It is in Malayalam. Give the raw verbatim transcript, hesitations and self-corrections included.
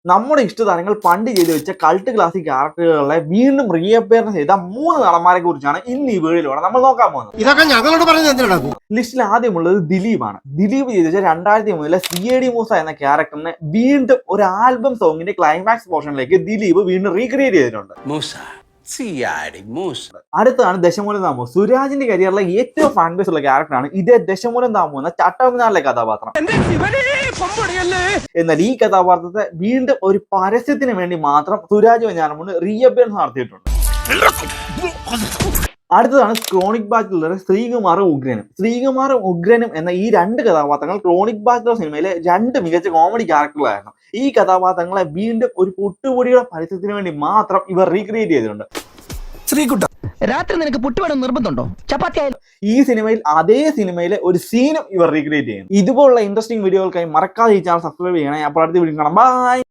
നമ്മുടെ ഇഷ്ടതാരങ്ങൾ പണ്ട് ചെയ്തു വെച്ച കൾട്ട് ക്ലാസിക് ക്യാരക്ടറുകളെ വീണ്ടും റീഅപ്പിയർ ചെയ്ത മൂന്ന് നടന്മാരെ കുറിച്ചാണ് ഇന്ന് ഈ വീഡിയോയിലൂടെ നമ്മൾ നോക്കാൻ പോകുന്നത്. ഇതൊക്കെ ഞങ്ങളോട് പറഞ്ഞത് ലിസ്റ്റിൽ ആദ്യമുള്ളത് ദിലീപാണ്. ദിലീപ് ചെയ്തു വെച്ച രണ്ടായിരത്തി മൂന്നിലെ സി എ ഡി മൂസ എന്ന ക്യാരക്ടറിനെ വീണ്ടും ഒരു ആൽബം സോങ്ങിന്റെ ക്ലൈമാക്സ് പോർഷനിലേക്ക് ദിലീപ് വീണ്ടും റീക്രിയേറ്റ് ചെയ്തിട്ടുണ്ട്. അടുത്തതാണ് ദശമൂലം താമോ. സുരാജിന്റെ കരിയറിലെ ഏറ്റവും ഫാൻ ബേസ് ഉള്ള ക്യാരക്ടറാണ് ഇതേ ദശമൂലം താമോ എന്ന ചട്ടമിനാറിലെ കഥാപാത്രം. എന്നാൽ ഈ കഥാപാത്രത്തെ വീണ്ടും ഒരു പരസ്യത്തിന് വേണ്ടി മാത്രം സുരാജ് വെഞ്ഞാറമൂട് റീഅപ്പിയറൻസ് നടത്തിയിട്ടുണ്ട്. അടുത്തതാണ് ക്രോണിക് ബാച്ചിലർ ശ്രീകുമാറും ഉഗ്രനും. ശ്രീകുമാറും ഉഗ്രനും എന്ന ഈ രണ്ട് കഥാപാത്രങ്ങൾ ക്രോണിക് ബാച്ചിലർ സിനിമയിലെ രണ്ട് മികച്ച കോമഡി ക്യാരക്ടറുകളായിരുന്നു. ഈ കഥാപാത്രങ്ങളെ വീണ്ടും ഒരു പുട്ടുപൊടിയുടെ പരസ്യത്തിന് വേണ്ടി മാത്രം ഇവർ റീക്രിയേറ്റ് ചെയ്തിട്ടുണ്ട്. ശ്രീകുട്ട, രാത്രി നിനക്ക് പുട്ടുവേണം നിർബന്ധമുണ്ടോ? ചപ്പാത്തി. ഈ സിനിമയിൽ അതേ സിനിമയിലെ ഒരു സീനും ഇവർ റീക്രിയേറ്റ് ചെയ്യുന്നു. ഇതുപോലുള്ള ഇൻട്രസ്റ്റിംഗ് വീഡിയോകൾക്കായി മറക്കാതെ ഈ ചാനൽ സബ്സ്ക്രൈബ് ചെയ്യണേ. അപ്പോൾ അടുത്ത വീഡിയോ കാണാം. ബൈ.